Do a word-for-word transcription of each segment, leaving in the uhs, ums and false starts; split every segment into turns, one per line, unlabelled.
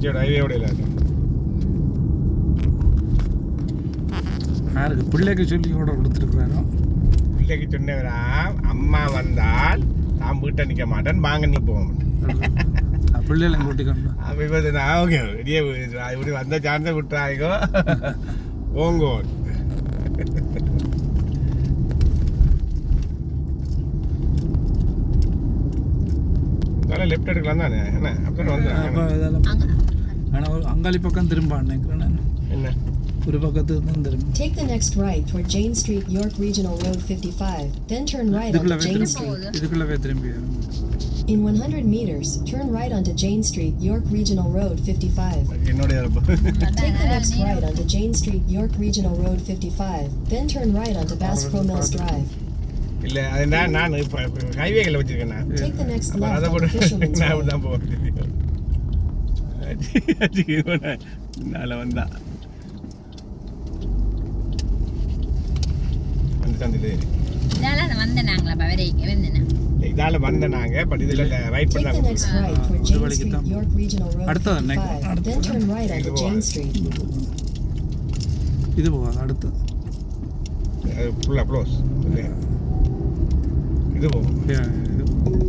பச்சையோட ஹைவேயோட இல்லை
யாருக்கு பிள்ளைக்கு சொல்லி ஆர்டர் கொடுத்துருக்குறாரோ
பிள்ளைக்கு சொன்னவரா அம்மா வந்தால் நான் வீட்டை நிற்க மாட்டேன் வாங்க நீ போக மாட்டேன்
பிள்ளைகளை கூட்டிக்கொண்டு
அப்போ இப்போ நான் ஓகே வெளியே இப்படி வந்த சான்ஸை விட்டுறாய்கோ ஓங்கோ அதெல்லாம் லெஃப்ட் எடுக்கலாம் தானே என்ன அப்படியே வந்து
ஆனால் அங்காளி பக்கம் திரும்ப நினைக்கிறேன் நான்
என்ன
ஒரு பக்கத்துக்கு தான் திரும்ப
Take the next right toward Jane Street, York Regional Road fifty-five, then turn right onto Jane Street.
இதுக்குள்ளவே திரும்பி
In one hundred meters, turn right onto Jane Street, York Regional Road fifty-five.
என்னோட
Take the next right onto Jane Street, York Regional Road fifty-five, then turn right onto Bass Pro Mills Drive.
இல்ல அது நான் நான் இப்போ ஹைவேகளில் வச்சிருக்கேன் நான்
Take the next
அப்போ
left
அதை
onto
போட்டு
Fisherman's
நான்
Way.
தான் போகிறேன் நாளை வந்தா வந்து தந்துட்டு
இதால வந்த நாங்களா பவரேக்கு வந்தேன்
இதால வந்த நாங்க பட் இதுல ரைட்
Take the
பண்ணாங்க
next right toward Jane Street, York Regional Road
அடுத்தது என்ன?
fifty-five, then turn right onto Jane Street.
இது போகாது அடுத்து
ஃபுல்லா க்ளோஸ் இது போகும்
Yeah, இது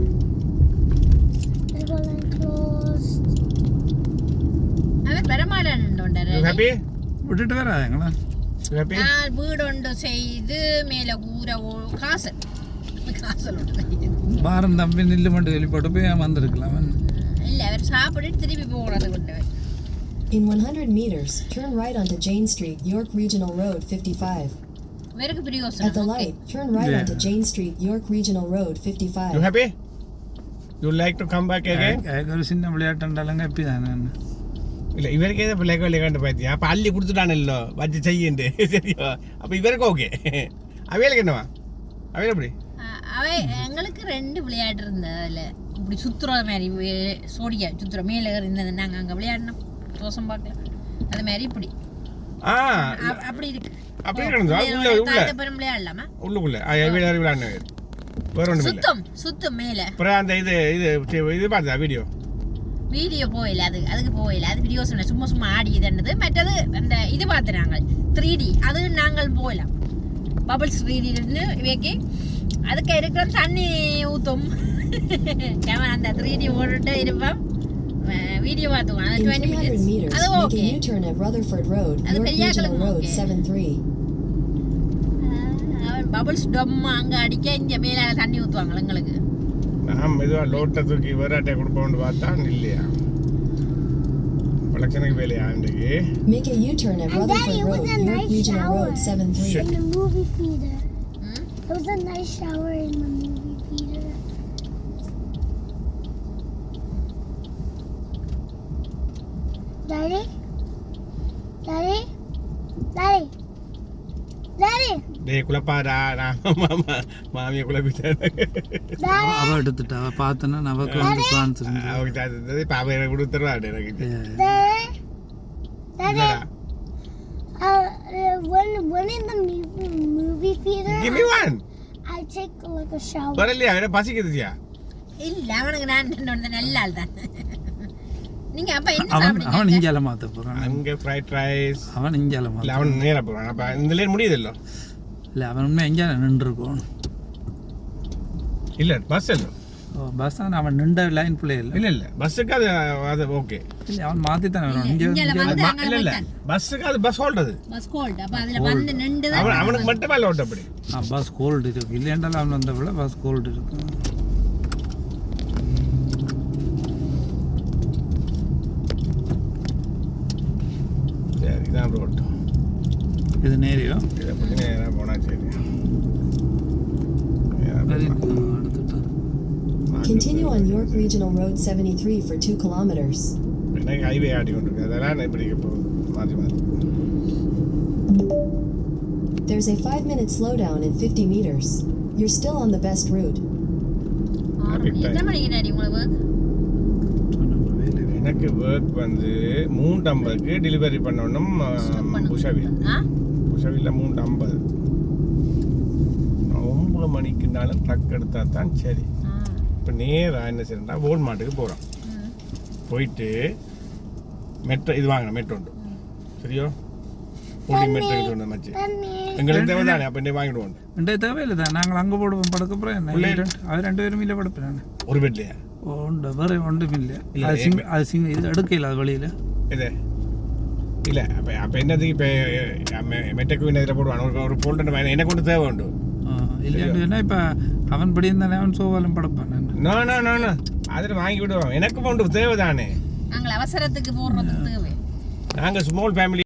அவன் பெருமாடன்டோண்டரு
ஹாப்பி
விட்டுட்டு வராங்களா
ஹாப்பி
நான் வீடொண்டு செய்து மேல ஊற ஓ- காசல் காசல் உண்டு
பாரம் தம்பி நில்லு மட்டும் வெளிப்பட்டு போய் வந்திருக்கலாம்
இல்ல அவர் சாப்பிட்டு திருப்பி போகிறது கொண்டு
In one hundred meters, turn right onto Jane Street, York Regional Road fifty-five.
வெறுக்கு
At the
பிரியோசனம்
light, turn right
Yeah.
onto Jane Street, York Regional Road fifty-five.
You happy you like to come back again
ஒரு சின்ன விளையாட்டுண்டாலங்க எப்படி தானே
இல்ல இவருக்கு ஏதோ பிள்ளைக்கு விளையாண்டு பார்த்தியா அப்போ அள்ளி கொடுத்துட்டானല്ലോ வச்சு செய்யுண்டு சரியா அப்போ இவருக்கு ஓகே அவைகளுக்கு என்னவா அவையில் எப்படி
அவ எங்களுக்கு ரெண்டு விளையாட்டு இருந்தது அதுல இப்படி சுத்துற மாதிரி வே- சோடியா சுத்துற மேல இருந்தது நாங்க அங்க விளையாடினோம் தோசம் பார்க்கல அது மாதிரி இப்படி
ஆ
அ- அப்படி இருக்கு
அப்படி இருக்கணுங்களா? உள்ள உள்ள
தாத்த பெரும் விளையாடலாமா
உள்ளுக்குள்ள அவையில் விளையாண்டு வேற ஒன்றும் இல்லை
சுத்தம் சுத்தம் மேல
அப்புறம் அந்த இது இது இது பார்த்தா வீடியோ
வீடியோ போயில அது அதுக்கு போயில அது வீடியோ சொன்ன சும்மா சும்மா ஆடி இதுன்றது மற்றது அந்த இது பார்த்து நாங்கள் த்ரீ டி அது நாங்கள் போயிடலாம் பபிள்ஸ் த்ரீ டின்னு இவைக்கு அதுக்கு இருக்கிற தண்ணி ஊற்றும் அந்த த்ரீ டி ஓடிட்டு இருப்போம் வீடியோ பார்த்துவோம் அது
In
twenty
three hundred
minutes
meters,
அது
make
okay
a U-turn at Rutherford Road,
அது
York
பெரியாக்களுக்கு
Regional Road
okay.
seventy-three.
அவன் பபிள்ஸ் டொம்மா அங்கே அடிக்க இங்கே மேலே தண்ணி ஊற்றுவாங்க எங்களுக்கு
நான் மெதுவாக லோட்டை தூக்கி வேறாட்டை கொடுப்போம்னு பார்த்தா இல்லையா வழக்கனுக்கு வேலையா இன்றைக்கு
Make a U-turn at
And
Rutherford
Daddy, it was
Road,
a
York
nice
Regional
shower.
Road seventy-three.
Shit.
In the movie theater.
ம்
It was a nice shower in the movie theater. Daddy? Daddy? Daddy? Daddy?
டே குழப்பாடா நான் மாமா மாமியை குழப்பிட்டேன்
Daddy?
அவ எடுத்துட்டா அவ பார்த்தனா நமக்கு வந்து பிளான்ஸ் இருந்து
அவருக்கு அது இப்போ அவன் எனக்கு கொடுத்துருவாடு எனக்கு
Daddy? Daddy?
இல்லடா
Uh, uh, when, when in the movie, movie theater,
give me one
I take like a shower.
வரலையா என்ன பசிக்குதுச்சியா
இல்லை அவனுக்கு நான் என்னோட நல்ல ஆள் தான் நீங்க அப்ப என்ன
அவன் அவன்
சாப்பிடுங்க
இஞ்சால மாத்த போறான்
அங்கே ஃப்ரைட் ரைஸ்
அவன் இஞ்சால
இல்லை
மாத்த
அவன் நேராக போகிறான் அப்போ இந்த லேன் முடியுது இல்லை
இல்லை அவன் உண்மை எஞ்சால நின்று இருக்கும்
இல்லை பஸ் இல்லை
பஸ் தான் அவன் நின்ற லைன் பிள்ளை இல்லை
இல்லை இல்லை பஸ்ஸுக்கு அது அது ஓகே
இல்லை அவன் மாற்றி தானே வரும் இங்கே
இஞ்சால
இங்கே
வந்து
அது இல்லை இல்லை பஸ்ஸுக்கு அது பஸ் ஹோல்டது
பஸ் கோல்ட் அப்ப அதுல வந்து நின்று
அவன் அவனுக்கு மட்டுமே இல்லை ஓட்ட அப்படி
ஆ பஸ் கோல்டு இருக்கு இல்லைன்றாலும் அவன் வந்த விட பஸ் கோல்டு இருக்கு
சரி இதான் ரோட்
இது நேரியோ
இதை பற்றி நேராக போனால் சரி
சரி எடுத்துட்டான்
Continue on York Regional Road seventy-three for two kilometers.
எனக்கு ஹைவே ஆடி கொண்டிருக்கு அதெல்லாம் நான் இப்படி போகுது மாற்றி மாற்றி
There's a five-minute slowdown in fifty meters. You're still on the best route.
எத்தனை மணிக்கு டாடி உங்களுக்கு
எனக்கு ஒர்க் வந்து மூன்று ஐம்பதுக்கு டெலிவரி பண்ணணும் உஷாவில்
ஆ
உஷாவில் மூன்று ஐம்பது ஒன்பது மணிக்குனாலும் ட்ரக் எடுத்தா தான் சரி இப்போ நேராக என்ன செய்யறா ஓல்மார்ட்டுக்கு போகிறோம்
ம்.
போயிட்டு மெட்ரோ இது வாங்கணும் மெட்ரோ உண்டு சரியோ ஃபோல்டிங் மெட்ரோ இது ஒன்று மச்சி
தண்ணி
எங்களுக்கு தேவை தானே அப்போ என்ன வாங்கிடுவோம்
ரெண்டே தேவையில்லை தான் நாங்கள் அங்கே போடுவோம் படுக்கப்புறம் என்ன
உள்ளே
ரெண்டு- அது ரெண்டு பேரும் இல்லை படுப்பேன்
ஒரு பெட்லையா
உண்டு வேறு ஒன்றும் இல்லை
இல்ல,
அது சிங் அது சிங் இது எடுக்கல அது வழியில்
இது இல்லை அப்போ அப்போ என்னது இப்போ மெட்டைக்கு இதில் போடுவான் ஒரு ஒரு ஃபோல்டர் என்ன கொண்டு தேவை உண்டு
இல்லைன்னா இப்போ அவன் படி இருந்தானே அவன் சோவாலும் படுப்பான் நான்
நோ நோ நோ நோ அதில் வாங்கி விடுவோம் எனக்கு உண்டு தேவை தானே
நாங்கள் அவசரத்துக்கு போடுறதுக்கு தேவை
நாங்கள் ஸ்மால் ஃபேமிலி